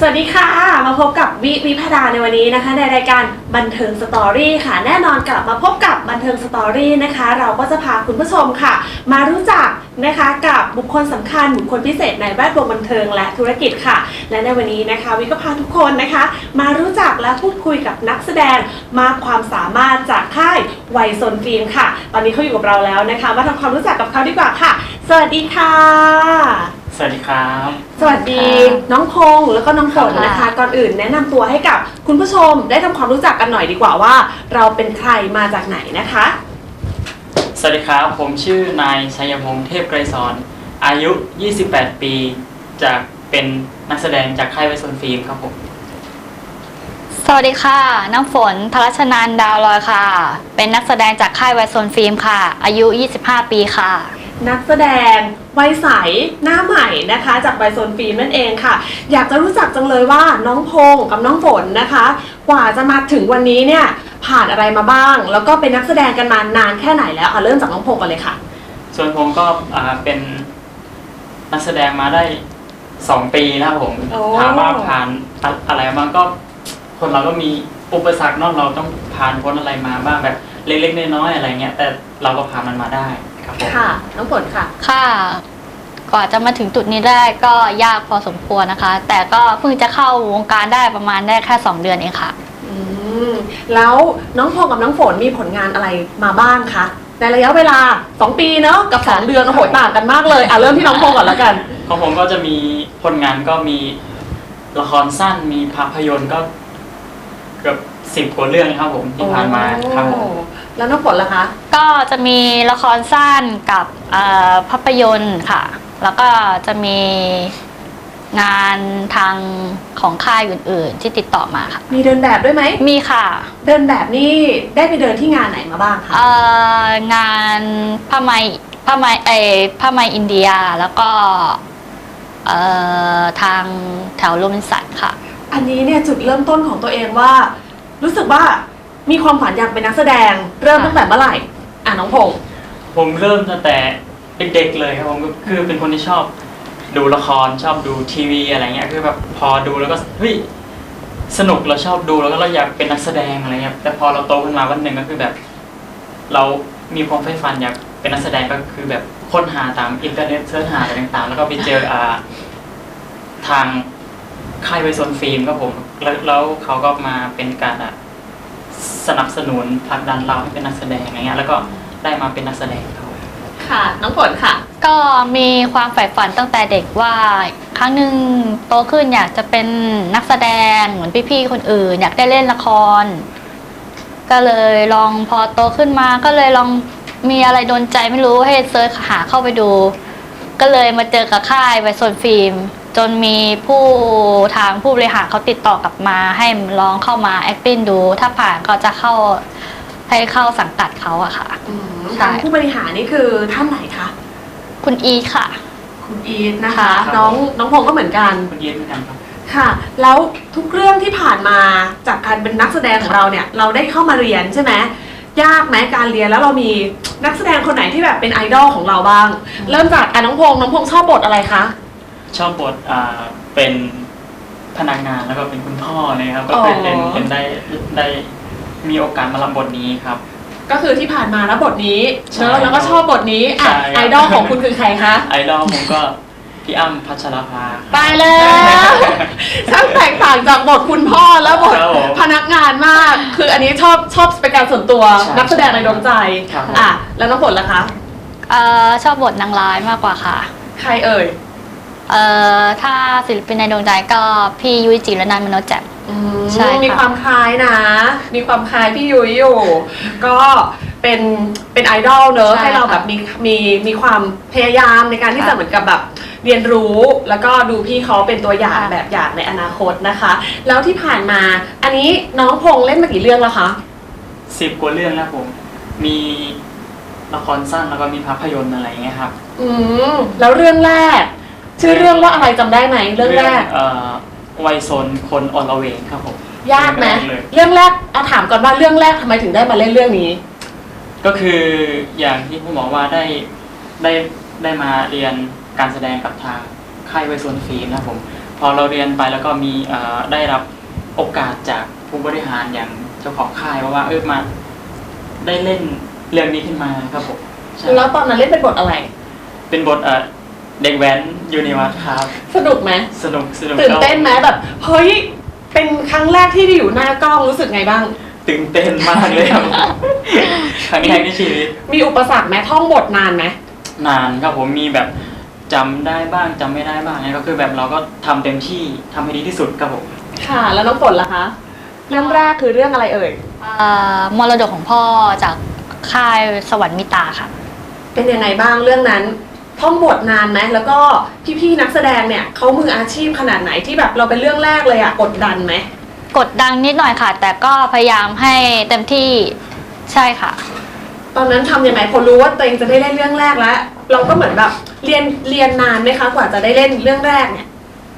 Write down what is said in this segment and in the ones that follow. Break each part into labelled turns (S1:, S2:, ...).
S1: วัสดีค่ะมาพบกับวิภดาในวันนี้นะคะในรายการบันเทิงสตอรี่ค่ะแน่นอนกลับมาพบกับบันเทิงสตอรี่นะคะเราก็จะพาคุณผู้ชมค่ะมารู้จักนะคะกับบุคคลสำคัญบุคคลพิเศษในแวดวงบันเทิงและธุรกิจค่ะและในวันนี้นะคะวิก็พาทุกคนนะคะมารู้จักและพูดคุยกับนักแสดงมากความสามารถจากค่ายไวโซนฟิล์มค่ะตอนนี้เขาอยู่กับเราแล้วนะคะมาทำความรู้จักกับเขาดีกว่าค่ะสวัสดีค่ะ
S2: สวัสดีครับ
S1: สวัสดีน้องพงษ์แล้วก็น้องฝนนะคะก่อนอื่นแนะนำตัวให้กับคุณผู้ชมได้ทำความรู้จักกันหน่อยดีกว่าว่าเราเป็นใครมาจากไหนนะคะ
S2: สวัสดีครับผมชื่อนายชัยพงษ์เทพไกรสอนอายุ28ปีจากเป็นนักแสดงจากค่ายไวโซนฟิล์มครับผม
S3: สวัสดีค่ะน้ำฝนธรัชนันท์ดาวลอยค่ะเป็นนักแสดงจากค่ายไวโซนฟิล์มค่ะอายุ25ปีค่ะ
S1: นักแสดงวัยใสหน้าใหม่นะคะจากไวโซนฟิล์มนั่นเองค่ะอยากจะรู้จักจังเลยว่าน้องพงษ์กับน้องฝนนะคะกว่าจะมาถึงวันนี้เนี่ยผ่านอะไรมาบ้างแล้วก็เป็นนักแสดงกันมานานแค่ไหนแล้วเริ่มจากน้องพงษ์กันเลยค่ะ
S2: ส่วนผมก็เป็นนักแสดงมาได้2ปีแล้วผมถามว่าผ่านอะไรมาก็คนเราก็มีอุปสรรคเนาะเราต้องผ่านพ้นอะไรมาบ้างแบบเล็กๆน้อยๆอะไรเงี้ยแต่เราก็ผ่านมันมาได้ครับผม
S1: ค่ะน้องฝนค่ะ
S3: ค่ะกว่าจะมาถึงจุดนี้ได้ก็ยากพอสมควรนะคะแต่ก็เพิ่งจะเข้าวงการได้ประมาณได้แค่2เดือนเองค่ะ
S1: แล้วน้องพงษ์กับน้องฝนมีผลงานอะไรมาบ้างคะในระยะเวลา2ปีเนาะกับ2เดือนโอ้โหต่างกันมากเลยเริ่มที่น้องพงษ์ก่อนแล้วกัน
S2: ของผมก็จะมีผลงานก็มีละครสั้นมีภาพยนตร์ก็เกือบ10 กว่าเรื่องครับผมที่ผ่านมาครับผม
S1: แล้วน้องฝนล่ะคะ
S3: ก็จะมีละครสั้นกับภาพยนตร์ค่ะแล้วก็จะมีงานทางของค่ายอื่นๆที่ติดต่อมาค่ะ
S1: มีเดินแบบด้วยไหม
S3: มีค่ะ
S1: เดินแบบนี่ได้ไปเดินที่งานไหนมาบ้างคะ
S3: งานผ้าไหมอินเดียแล้วก็ทางแถวโรบินสันค่ะ
S1: อันนี้เนี่ยจุดเริ่มต้นของตัวเองว่ารู้สึกว่ามีความฝันอยากเป็นนักแสดงเริ่มตั้งแต่เมื่อไหร่น้องพงษ์
S2: ผมเริ่มตั้งแต่เด็กๆเลยครับผมคือเป็นคนที่ชอบดูละครชอบดูทีวีอะไรเงี้ยคือแบบพอดูแล้วก็เฮ้ยสนุกเราชอบดูแล้วก็เราอยากเป็นนักแสดงอะไรเงี้ยแต่พอเราโตขึ้นมาวันหนึ่งก็คือแบบเรามีความใฝ่ฝันอยากเป็นนักแสดงก็คือแบบค้นหาตามอินเทอร์เน็ตเสิร์ชหาอะไรต่างๆแล้วก็ไปเจอทางค่ายไวโซนฟิล์มครับผมแล้วเขาก็มาเป็นการสนับสนุนผลักดันเราให้เป็นนักแสดงอะไรเงี้ยแล้วก็ได้มาเป็นนักแสดงเขา
S1: ค่ะน้องฝนค่ะ
S3: ก็มีความใฝ่ฝันตั้งแต่เด็กว่าครั้งหนึ่งโตขึ้นอยากจะเป็นนักแสดงเหมือนพี่ๆคนอื่นอยากได้เล่นละครก็เลยลองพอโตขึ้นมาก็เลยลองมีอะไรโดนใจไม่รู้ให้เซิร์ชหาเข้าไปดูก็เลยมาเจอกับค่ายไวโซนฟิล์มจนมีทางผู้บริหารเขาติดต่อกลับมาให้ลองเข้ามา acting ดูถ้าผ่านก็จะให้เข้าสังกัดเขาอะค่ะ
S1: ทางผู้บริหารนี่คือท่านไหนคะ
S3: คุณอีทค่ะ
S1: คุณอีทนะคะน้องพงษ์ก็เหมือนกัน
S2: คุณอีทเหมือนกันครับ
S1: ค่ะแล้วทุกเรื่องที่ผ่านมาจากการเป็นนักแสดงของเราเนี่ยเราได้เข้ามาเรียนใช่ไหมยากไหมการเรียนแล้วเรามีนักแสดงคนไหนที่แบบเป็นไอดอลของเราบ้างเริ่มจากน้องพงษ์ชอบบทอะไรคะ
S2: ชอบบทเป็นพนักงานแล้วก็เป็นคุณพ่อเลยครับก็เป็นได้มีโอกาสมารับบทนี้ครับ
S1: ก็คือที่ผ่านมาแล้วบทนี้เชิญแล้วก็ชอบบทนี้ไอดอลของคุณคือใครคะ
S2: ไอดอลผมก็พี่อ้ำพัชรภา
S1: ไปแล้วช่างแตกต่างจากบทคุณพ่อแล้วบทพนักงานมากคืออันนี้ชอบเป็นการส่วนตัวนักแสดงในดวงใจแล้วน้องฝนล่ะคะ
S3: ชอบบทนางร้ายมากกว่าค่ะ
S1: ใครเอ่ย
S3: ถ้าศิลปินในดวงใจก็พี่ยุ้ยจิรนันท์มโนแจ่ม
S1: ใช่มีความคล้ายนะมีความคล้ายพี่ยุ้ยอยู่ก็เป็นไอดอลเนอะให้เราแบบมีความพยายามในการที่จะเหมือนกับแบบเรียนรู้แล้วก็ดูพี่เขาเป็นตัวอย่างแบบอย่างในอนาคตนะคะแล้วที่ผ่านมาอันนี้น้องพงษ์เล่นมากี่เรื่องแล้วคะ
S2: 10 กว่าเรื่องแล้วผมมีละครสั้นแล้วก็มีภาพยนตร์อะไรเงี้ยครับ
S1: แล้วเรื่องแรกชื่อเรื่องว่าอะไรจำได้ไหมเรื่องแรก
S2: ไวโซนคนอลเวงครับผม
S1: ยากไหมเรื่องแรกถามก่อนว่าเรื่องแรกทำไมถึงได้มาเล่นเรื่องนี้
S2: ก็คืออย่างที่ผมบอกว่าได้มาเรียนการแสดงกับทางค่ายไวโซนฟิล์มนะผมพอเราเรียนไปแล้วก็มีได้รับโอกาสจากผู้บริหารอย่างเจ้าของค่ายว่ามาได้เล่นเรื่องนี้ขึ้นมาครับผมใช่
S1: แล้วตอนนั้นเล่นเป็นบทอะไร
S2: เป็นบทเด็กแว้นยูนิวัตครับ
S1: สนุกไหม
S2: สนุก
S1: ตื่นเต้นไหมแบบเฮ้ยเป็นครั้งแรกที่ได้อยู่หน้ากล้องรู้สึกไงบ้าง
S2: ตื่นเต้นมากเลยครับครั้งแรกในชีวิต
S1: มีอุปสรรคไหมท่องบทนานไหม
S2: นานครับผมมีแบบจำได้บ้างจำไม่ได้บ้างเนี่ยก็คือแบบเราก็ทำเต็มที่ทำให้ดีที่สุดครับผม
S1: ค่ะ แล้วน้องฝนล่ะคะเรื่องแรกคือเรื่องอะไรเอ่ย
S3: มรดกของพ่อจากค่ายสวรรค์มิตาค่ะ
S1: เป็นยังไงบ้างเรื่องนั้นท่องบทนานไหมแล้วก็พี่ๆนักแสดงเนี่ยเขามืออาชีพขนาดไหนที่แบบเราเป็นเรื่องแรกเลยอะกดดันไหม
S3: กดดันนิดหน่อยค่ะ แต่ก็พยายามให้เต็มที่ใช่ค่ะ
S1: ตอนนั้นทำยังไงพอรู้ว่าตัวเองจะได้เล่นเรื่องแรกแล้ว เราก็เหมือนแบบเรียนนานไหมคะกว่าจะได้เล่นเรื่องแรกเนี่ย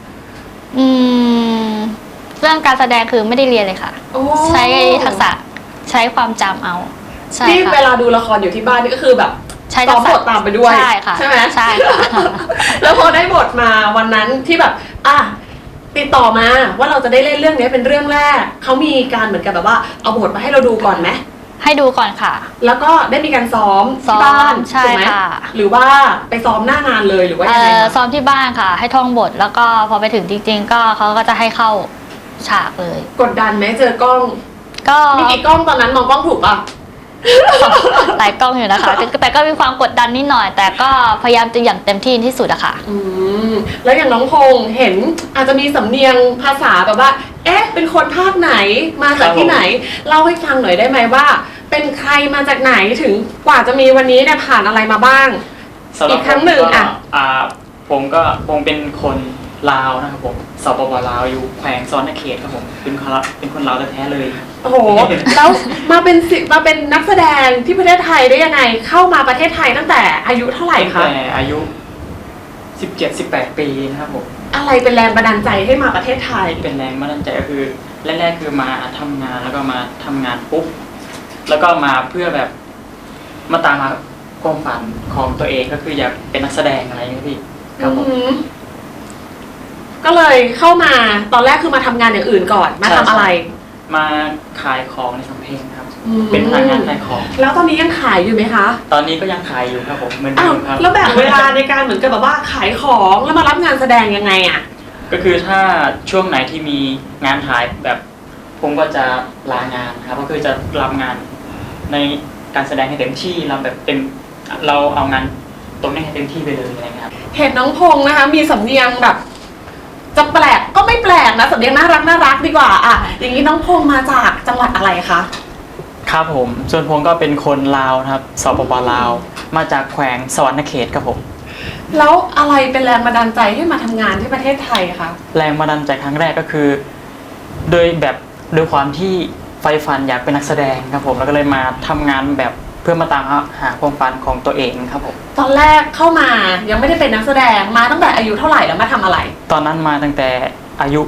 S3: เรื่องการแสดงคือไม่ได้เรียนเลยค่ะ
S1: โอ้
S3: ใช้ทักษะใช้ความจำเอาใช่
S1: ที่เว
S3: ค่ะ
S1: ลาดูละครอยู่ที่บ้านนี่ก็คือแบบ
S3: ใช้
S1: ซ้
S3: ทั
S1: อก ม
S3: ษะ
S1: บทตามไปด้วย
S3: ใช่ค่ะ
S1: ใช่ไหม
S3: ใช่ค่ะ
S1: แล้วพอได้บทมาวันนั้นที่แบบติดต่อมาว่าเราจะได้เล่นเรื่องนี้เป็นเรื่องแรกเขามีการเหมือนกับแบบว่าเอาบทมาให้เราดูก่อนไหม
S3: ให้ดูก่อนค่ะ
S1: แล้วก็ได้มีการซ้อม
S3: ซ้อ
S1: ที่
S3: ม
S1: บ้าน
S3: ใช่
S1: ถูกไหม
S3: ค่ะ
S1: หรือว่าไปซ้อมหน้างานเลยหรือว่ายังไงคะ
S3: ซ้อมที่บ้านค่ะ ให้ท่องบทแล้วก็พอไปถึงจริงๆ ก็เขาก็จะให้เข้าฉากเลย
S1: กดดันไหมเจอกล้อง
S3: ก็
S1: มีกี่กล้องตอนนั้นมองกล้องถูกป่ะ
S3: หลายกล้องอยู่นะคะแต่ก็มีความกดดันนิดหน่อย แต่ก็พยายามจะอย่างเต็มที่ที่สุดอะค่ะ
S1: แล้วอย่างน้องพงษ์เห็นอาจจะมีสำเนียงภาษาแบบว่า เอ๊ะ เป็นคนภาคไหนมาจากที่ไหน เล่าให้ฟังหน่อยได้ไหมว่า เป็นใครมาจากไหนถึงกว่าจะมีวันนี้เนี่ยผ่านอะไรมาบ้าง
S2: สำหรับ
S1: อีกครั้งหนึ่ง
S2: ผมเป็นคนลาวนะครับผมสปปลาวอยู่แขวงซ้อนเขตครับผมเป็นคนลาวแท้ๆเลย
S1: โอ้โห แล้วมาเป็นนักแสดงที่ประเทศไทยได้ยังไง เข้ามาประเทศไทยตั้งแต่อายุเท่าไหร่
S2: ตั้ง
S1: คะ
S2: แต่อายุ 17-18 ปีนะครับผม
S1: อะไรเป็นแรงบันดาลใจให้มาประเทศไทย
S2: เป็นแรงบันดาลใจก็คือแรกๆคือมาทำงานแล้วก็มาทำงานปุ๊บแล้วก็มาเพื่อแบบมาตามหาความฝันของตัวเองก็คืออยากเป็นนักแสดงอะไรอย่างเงี้ยพี่ครับผม
S1: ก็เลยเข้ามาตอนแรกคือมาทำงานอย่างอื่นก่อนมาทำอะไร
S2: มาขายของในสำเพ็งครับ เป็นพนักงานขายของ
S1: แล้วตอนนี้ยังขายอยู่ไหมคะ
S2: ตอนนี้ก็ยังขายอยู่ครับผมเหมือนเดิ
S1: อ้าว
S2: มครับ
S1: แล้วแบ่งเวลาในการเหมือนกับแบบว่าขายของแล้วมารับงานแสดงยังไงอะ
S2: ก็คือถ้าช่วงไหนที่มีงานถ่ายแบบผมก็จะลางานครับก็คือจะรับงานในการแสดงให้เต็มที่เราเอางานตรงนี้ให้เต็มที่ไปเลยอะไรเงี้ยครับ
S1: เห็นน้องพงษ์นะคะ มีสำเนียงแบบ จะแปลกก็ไม่แปลกนะสำเนียงน่ารักดีกว่าอะอย่างนี้น้องพงษ์มาจากจังหวัดอะไรคะ
S2: ครับผมส่วนผมก็เป็นคนลาวนะครับสปปลาวมาจากแขวงสวรรณเขตครับผม
S1: แล้วอะไรเป็นแรงบันดาลใจให้มาทำงานที่ประเทศไทยคะ
S2: แรงบันดาลใจครั้งแรกก็คือโดยความที่ใฝ่ฝันอยากเป็นนักแสดงครับผมแล้วก็เลยมาทำงานแบบเพื่อมาตามหาความฝันของตัวเองครับผม
S1: ตอนแรกเข้ามายังไม่ได้เป็นนักแสดงมาตั้งแต่อายุเท่าไหร่แล้วมาทำอะไร
S2: ตอนนั้นมาตั้งแต่อายุ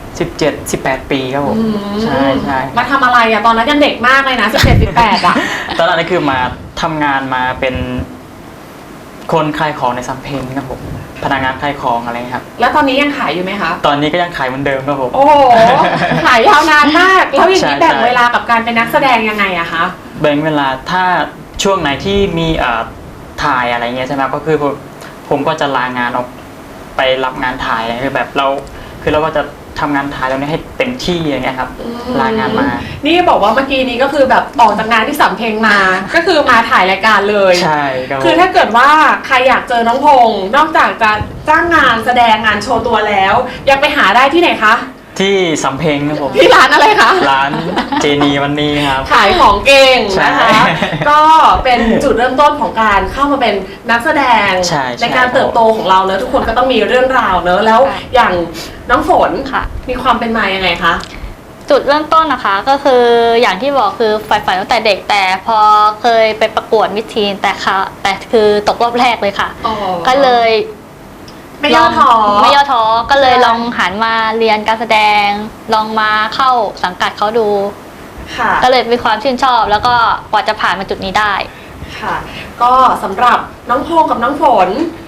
S2: 17-18 ปีครับผมใช่
S1: มาทำอะไรอะตอนนั้นยังเด็กมากเลยนะ17-18อะ
S2: ตอนนั้นคือมาทำงานมาเป็นคนขายของในสำเพ็งครับผมพนักงานขายของอะไรครับ
S1: แล้วตอนนี้ยังขายอยู่ไหมคะ
S2: ตอนนี้ก็ยังขายเหมือนเดิมครับผม
S1: โอ้โห ขายยาวนานมาก แล้วอย่างนี้
S2: ใช่
S1: แบ่งเวลากับการเป็นนักแสดงยังไงอะคะ
S2: แบ่งเวลาถ้าช่วงไหนที่มีถ่ายอะไรเงี้ยใช่ไหมก็คือผมก็จะลางานออกไปรับงานถ่ายอะไรคือแบบเราก็จะทำงานถ่ายตรงนี้ให้เต็มที่อย่างเงี้ยครับลางานมา
S1: นี่บอกว่าเมื่อกี้นี้ก็คือแบบออกจากงานที่สำเพ็งมา ก็คือมาถ่ายรายการเลย
S2: ใช่ครับผม
S1: คือถ้าเกิดว่าใครอยากเจอน้องพงษ์นอกจากจะจ้างงานแสดงงานโชว์ตัวแล้วยังไปหาได้ที่ไหนคะ
S2: ที่สำเพ็งครับผม
S1: ที่ร้านอะไรคะ
S2: ร้านเจนีวันนี้ครับ
S1: ขายของเก่งนะคะ
S2: ใช่
S1: ก็เป็นจุดเริ่มต้นของการเข้ามาเป็นนักแสดง
S2: ใช่
S1: ในการเติบโตของเราเนอะทุกคนก็ต้องมีเรื่องราวเนอะแล้ว
S3: ค่ะ
S1: อย่างน้องฝน
S3: ค่ะ
S1: มีความเป็นมายังไงคะ
S3: จุดเริ่มต้นนะคะก็คืออย่างที่บอกคือใฝ่ฝันตั้งแต่เด็กแต่พอเคยไปประกวดมิสทีนแต่คือตกรอบแรกเลยค่ะ ก็เลย
S1: ไม่ย่อท้อ
S3: ไม่ย่อท้อก็เลย
S1: ใช่
S3: ลองหันมาเรียนการแสดง ลองมาเข้าสังกัดเขาดู
S1: ค่ะ
S3: ก็เลยมีความชื่นชอบ แล้วก็กว่าจะผ่านมาจุดนี้ได้
S1: ค่ะ ก็สำหรับน้องพงษ์กับน้องฝน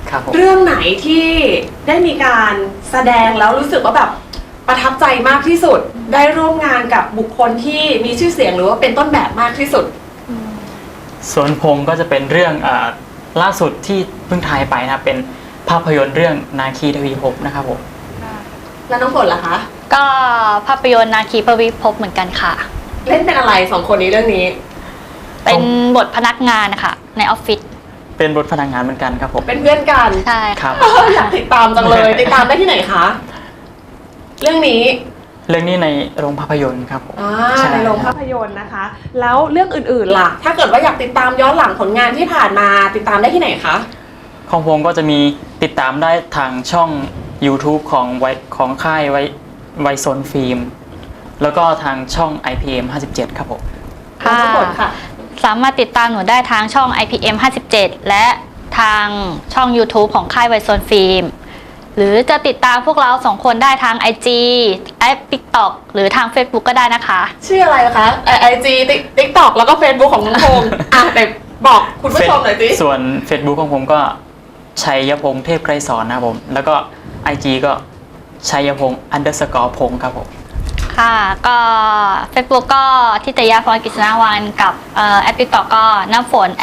S2: ครับผม
S1: เรื่องไหนที่ได้มีการแสดงแล้วรู้สึกว่าแบบประทับใจมากที่สุด ได้ร่วมงานกับบุคคลที่มีชื่อเสียงหรือว่าเป็นต้นแบบมากที่สุด
S2: ส่วนผมก็จะเป็นเรื่องล่าสุดที่เพิ่งถ่ายไปนะครับเป็นภาพยนตร์เรื่องนาคีทวีภพนะครับผม
S1: แล้วน้องฝนล่ะคะ
S3: ก็ภาพยนตร์นาคีพวิภพเหมือนกันค่ะ
S1: เล่นเป็นอะไรสองคนนี้เรื่องนี้
S3: เป็นบทพนักงานนะคะในออฟฟิศ
S2: เป็นบทพนักงานเหมือนกันครับผม
S1: เป็นเพื่อนกัน
S3: ใช่
S2: ครับ
S1: อยากติดตามจังเลย ติดตามได้ที่ไหนคะ เรื่องนี้
S2: เรื่องนี้ในโรงภาพยนตร์ครับผมใช่
S1: ในโรงภาพยนตร์นะคะ แล้วเรื่องอื่นๆล่ะ ถ้าเกิดว่าอยากติดตามย้อนหลังผลงานที่ผ่านมาติดตามได้ที่ไหนคะ
S2: ของผมก็จะมีติดตามได้ทางช่อง YouTube ของค่ายไวโซนฟิล์มแล้วก็ทางช่อง IPM 57ครับผม
S3: ค่ะ
S1: ทุกคนค่ะ
S3: สามารถติดตามหนูได้ทางช่อง IPM 57 และทางช่อง YouTube ของค่ายไวโซนฟิล์มหรือจะติดตามพวกเราสองคนได้ทาง IG แอป TikTok หรือทาง Facebook ก็ได้นะคะ
S1: ชื่ออะไรนะคะIG TikTok แล้วก็ Facebook ของน้องพงษ์แต่บอกคุณผู้ชมหน่อยสิ
S2: ส่วน Facebook ของผมก็ชัยพงษ์เทพไกรสอนนะครับผม แล้วก็ IG ก็ชัยพงษ์_พงษ์ครับผม
S3: ค่ะก็ Facebook ก็ทิตยาพรกฤษณวันกับแอป TikTok ก็น้ำฝน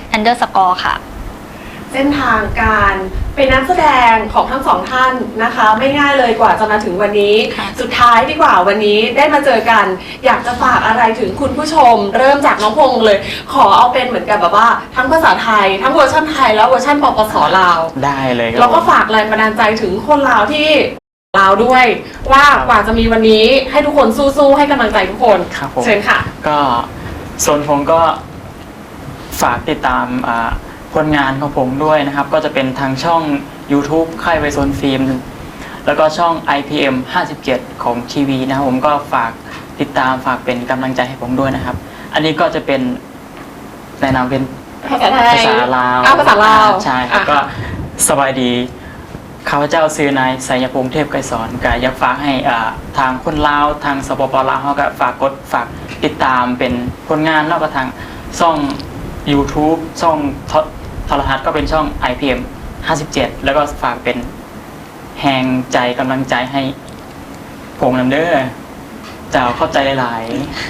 S3: _ค่ะ
S1: เส้นทางการเป็นนักแสดงของทั้งสองท่านนะคะ ไม่ง่ายเลยกว่าจะมาถึงวันนี้
S3: ค่ะ
S1: สุดท้ายดีกว่าวันนี้ได้มาเจอกัน อยากจะฝากอะไรถึงคุณผู้ชม เริ่มจากน้องพงษ์เลย ขอเอาเป็นเหมือนกับแบบว่าทั้งภาษาไทย ทั้งเวอร์ชันไทยแล้วเวอร์ชันปปสลาว
S2: ได้เลยครับ
S1: แล้วก็
S2: ผม
S1: ฝากแรงบันดาลใจถึงคนลาวที่ลาวด้วย ว่ากว่าจะมีวันนี้ให้ทุกคนสู้ๆให้กำลังใจทุกคน
S2: ครับผม
S1: เชิญค่ะ
S2: ก็ส่วนผมก็ฝากติดตามผลงานของผมด้วยนะครับ ก็จะเป็นทางช่อง YouTube ค่ายไวโซนฟิล์มแล้วก็ช่อง IPM 57 ของทีวีนะครับผมก็ฝากติดตามฝากเป็นกำลังใจให้ผมด้วยนะครับ อันนี้ก็จะเป็นแนะนำเป็น
S1: ภาษาไทย
S2: ภาษาลาว
S1: ภาษาลาว
S2: ใช่ครับก็สบายดีข้าพเจ้าซื้อนายไสยพงษ์เทพไกรสอนก็อยากฝากให้ทางคนลาวทางสปปลาวเขาก็ฝากติดตามเป็นผลงานแล้วก็ทางช่อง YouTube ช่องโทรทัศน์ก็เป็นช่อง IPM 57 แล้วก็ฝากเป็นแหงใจกำลังใจให้ผมนำเด้อเจ้าเข้าใจหลาย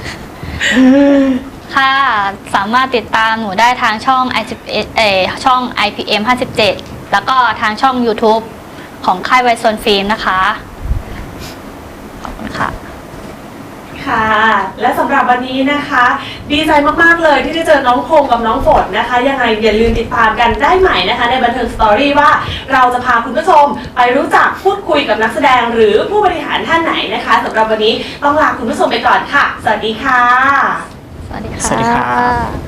S3: ค่ะสามารถติดตามหนูได้ทางช่อง ช่อง IPM 57 แล้วก็ทางช่อง YouTube ของค่ายไวโซนฟิล์มนะคะ ขอบคุณค่ะ
S1: ค่ะ และสำหรับวันนี้นะคะ ดีใจมากๆเลยที่ได้เจอน้องพงษ์กับน้องฝนนะคะ ยังไงอย่าลืมติดตามกันได้ใหม่นะคะ ในบันเทิงสตอรี่ว่าเราจะพาคุณผู้ชมไปรู้จักพูดคุยกับนักแสดงหรือผู้บริหารท่านไหนนะคะสำหรับวันนี้ต้องลาคุณผู้ชมไปก่อนค่ะ สวัสดีค่ะ
S3: สวัสดีค่ะ
S2: สวัสดีครับ